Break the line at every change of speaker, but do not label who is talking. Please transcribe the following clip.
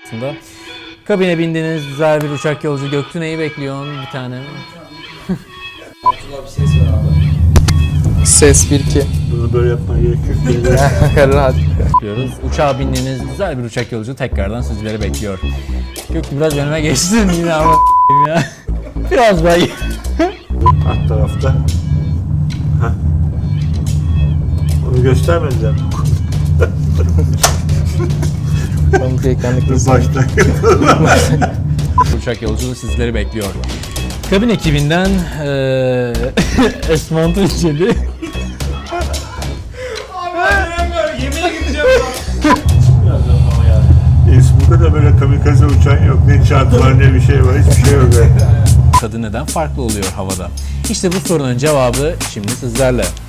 aslında. Kabine bindiğiniz güzel bir uçak yolcu. Göktüne'yi bekliyorsun bir tane.
Abdullah bir ses ver abi.
Ses 1-2.
Bunu böyle yapmaya gerek yok.
Rahat.
Bekliyoruz. Uçağa bindiğiniz güzel bir uçak yolcu tekrardan sizleri bekliyor. Göktü biraz önüme geçtin yine ama ya. Biraz daha
Alt tarafta. Heh. Onu göstermediler.
Ben bu ekranlıkta
Başta.
uçak yolculuğu sizleri bekliyor. Kabin ekibinden Esma Tunceli.
Yemeğe gideceğim.
İzmir'de de böyle kamikaze uçan yok. Ne çarpı var ne bir şey var. Hiçbir şey yok.
Tadı neden farklı oluyor havada? İşte bu sorunun cevabı şimdi sizlerle.